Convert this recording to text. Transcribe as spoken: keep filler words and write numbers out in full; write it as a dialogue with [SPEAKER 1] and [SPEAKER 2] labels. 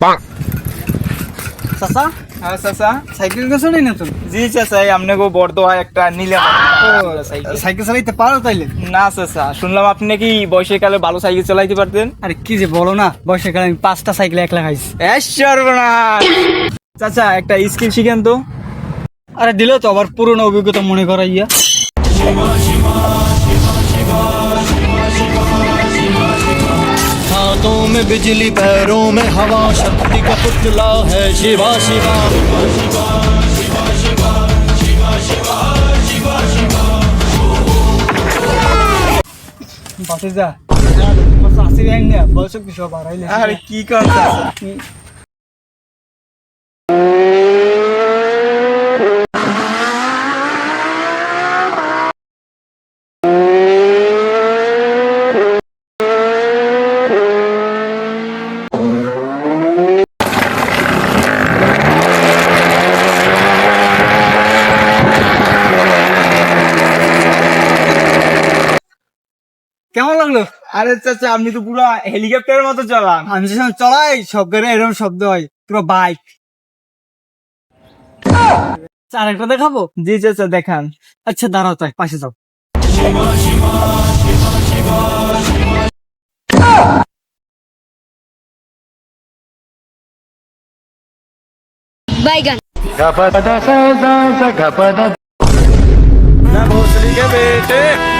[SPEAKER 1] চাচা
[SPEAKER 2] হ্যাঁ চাচা।
[SPEAKER 1] সাইকেল গেছো না নতুন?
[SPEAKER 2] জি চাচা, আপনি গো বড় হয় একটা নিলাম সাইকেল।
[SPEAKER 1] সাইকেল চালাইতে পারো তাইলে?
[SPEAKER 2] না চাচা, শুনলাম আপনি নাকি বয়সের কালে ভালো সাইকেল চালাইতে পারতেন।
[SPEAKER 1] আরে কি যে বলো না, বয়সের কারণে আমি পাঁচটা সাইকেল একলা খাইছি।
[SPEAKER 2] সর্বনাশ। চাচা একটা স্কিল শিখেন তো।
[SPEAKER 1] আরে দিল তো আবার পুরনো অভিজ্ঞতা মনে করাইয়া।
[SPEAKER 3] हाथों में बिजली पैरों में हवा शक्ति का पुतला है शिवा शिवा
[SPEAKER 1] বাসে যা আসি ব্যাং না বয়স কি সব হারাইলে।
[SPEAKER 2] আরে কি কথা।
[SPEAKER 1] কেমন লাগলো?
[SPEAKER 2] আরে চাচা আপনি তো পুরো হেলিকপ্টারের মতো চালান।
[SPEAKER 1] আমি যখন চলাই সব গাড়ি এরকম শব্দ হয়, পুরো বাইক। আরেকটা দেখাবো?
[SPEAKER 2] জি চাচা দেখান।
[SPEAKER 1] আচ্ছা দাঁড়াও, তাই পাশে যাও।
[SPEAKER 4] बैगन
[SPEAKER 3] गपदा सा सा सा गपदा
[SPEAKER 2] ना भोसड़ी के बेटे।